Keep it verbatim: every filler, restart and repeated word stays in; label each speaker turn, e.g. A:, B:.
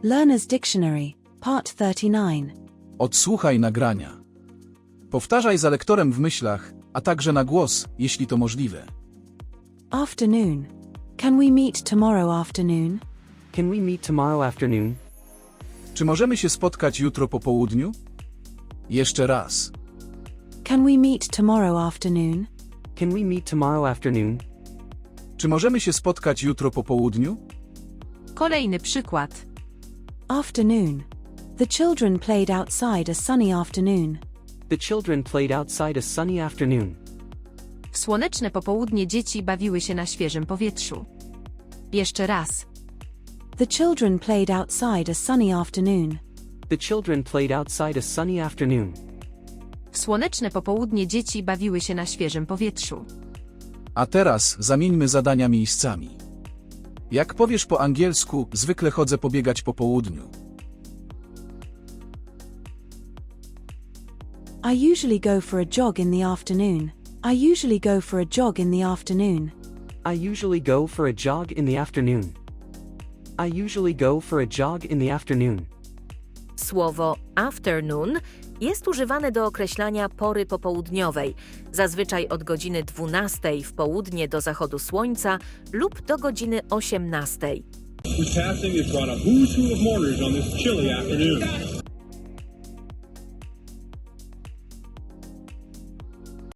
A: Learner's Dictionary, Part thirty-nine.
B: Odsłuchaj nagrania. Powtarzaj za lektorem w myślach, a także na głos, jeśli to możliwe.
A: Afternoon. Can we meet tomorrow afternoon?
C: Can we meet tomorrow afternoon?
B: Czy możemy się spotkać jutro po południu? Jeszcze raz.
A: Can we meet tomorrow afternoon?
C: Can we meet tomorrow afternoon?
B: Czy możemy się spotkać jutro po południu?
D: Kolejny przykład.
A: Afternoon. The children played outside a sunny afternoon.
C: The children played outside a sunny afternoon.
D: W słoneczne popołudnie dzieci bawiły się na świeżym powietrzu. Jeszcze raz.
A: The children played outside a sunny afternoon.
C: The children played outside a sunny afternoon.
D: W słoneczne popołudnie dzieci bawiły się na świeżym powietrzu.
B: A teraz zamieńmy zadania miejscami. Jak powiesz po angielsku, zwykle chodzę pobiegać po południu.
A: I usually go for a jog in the afternoon. I usually go for a jog in the afternoon.
C: I usually go for a jog in the afternoon. I usually go for a jog in the afternoon.
E: Słowo afternoon jest używane do określania pory popołudniowej, zazwyczaj od godziny dwunastej w południe do zachodu słońca lub do godziny osiemnastej.
F: Whose passing has brought a who's who of mourners on this chilly afternoon.